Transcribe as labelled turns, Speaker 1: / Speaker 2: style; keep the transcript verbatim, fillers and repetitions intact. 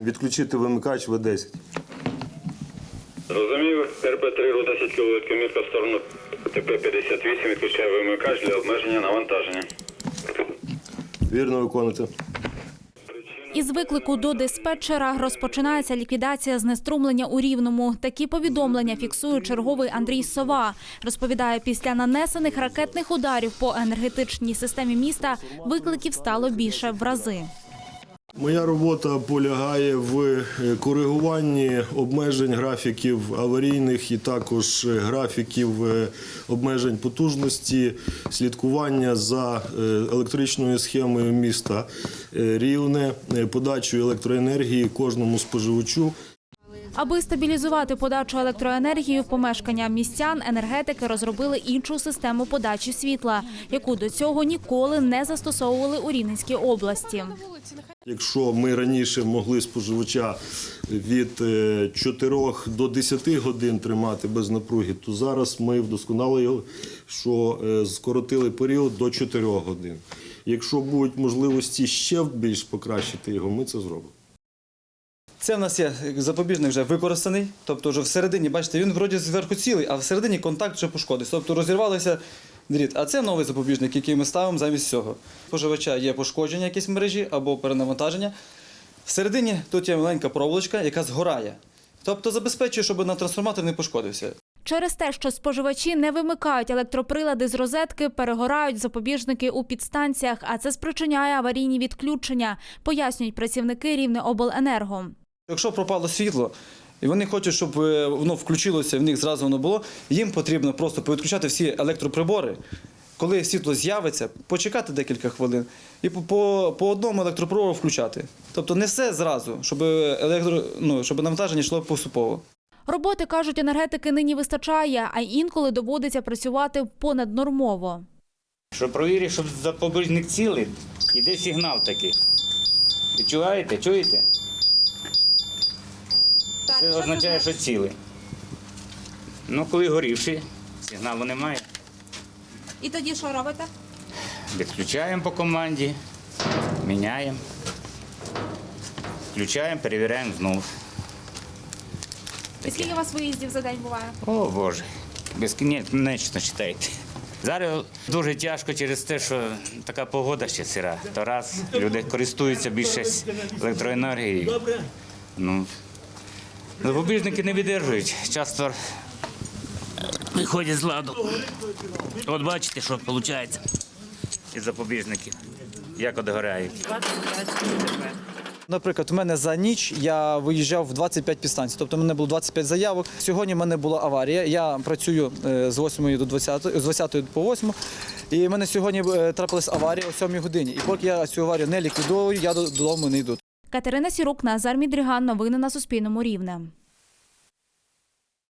Speaker 1: Відключити вимикач В десять.
Speaker 2: Розумію, Р П три, десять кіловольт, комірка в сторону Т П п'ятдесят вісім, відключаю вимикач для обмеження навантаження.
Speaker 1: Вірно виконуєте.
Speaker 3: Із виклику до диспетчера розпочинається ліквідація знеструмлення у Рівному. Такі повідомлення фіксує черговий Андрій Сова. Розповідає, після нанесених ракетних ударів по енергетичній системі міста викликів стало більше в рази.
Speaker 1: Моя робота полягає в коригуванні обмежень графіків аварійних і також графіків обмежень потужності, слідкування за електричною схемою міста Рівне, подачою електроенергії кожному споживачу.
Speaker 3: Аби стабілізувати подачу електроенергії в помешкання містян, енергетики розробили іншу систему подачі світла, яку до цього ніколи не застосовували у Рівненській області.
Speaker 1: Якщо ми раніше могли споживача від чотирьох до десяти годин тримати без напруги, то зараз ми вдосконалили, що скоротили період до чотирьох годин. Якщо будуть можливості ще більш покращити його, ми це зробимо.
Speaker 4: Це в нас є запобіжник вже використаний, тобто вже всередині, бачите, він вроді зверху цілий, а всередині контакт вже пошкодився, тобто розірвалися дріт. А це новий запобіжник, який ми ставимо замість цього. Споживача є пошкодження якісь мережі або перенавантаження. Всередині тут є маленька проволочка, яка згорає, тобто забезпечує, щоб на трансформатор не пошкодився.
Speaker 3: Через те, що споживачі не вимикають електроприлади з розетки, перегорають запобіжники у підстанціях, а це спричиняє аварійні відключення, пояснюють працівники Рівнеобленерго.
Speaker 4: Якщо пропало світло, і вони хочуть, щоб воно включилося, в них зразу воно було, їм потрібно просто повідключати всі електроприбори. Коли світло з'явиться, почекати декілька хвилин і по, по, по одному електроприбору включати. Тобто не все зразу, щоб, електро, ну, щоб навантаження йшло поступово.
Speaker 3: Роботи, кажуть енергетики, нині вистачає, а інколи доводиться працювати понаднормово.
Speaker 5: Щоб провірити, щоб запобіжник цілий, іде сигнал такий. Відчуваєте? Чуєте? Це означає, що цілий. Ну, коли горівший, сигналу немає.
Speaker 3: І тоді що робите?
Speaker 5: Відключаємо по команді, міняємо, включаємо, перевіряємо знову.
Speaker 3: І скільки у вас виїздів за день буває?
Speaker 5: О, Боже, безкінечно читайте. Зараз дуже тяжко через те, що така погода ще сира. То раз, люди користуються більше електроенергією. Ну, запобіжники не видержують, часто виходять з ладу. От бачите, що виходить із запобіжників, як одгорають.
Speaker 4: Наприклад, у мене за ніч я виїжджав в двадцять п'ять підстанцій, тобто в мене було двадцять п'ять заявок. Сьогодні в мене була аварія, я працюю з восьмої до двадцятої, з двадцятої по восьму, і в мене сьогодні трапилась аварія о сьомій годині. І поки я цю аварію не ліквідовую, я додому не йду.
Speaker 3: Катерина Сірук, Назар Мідріган. Новини на Суспільному. Рівне.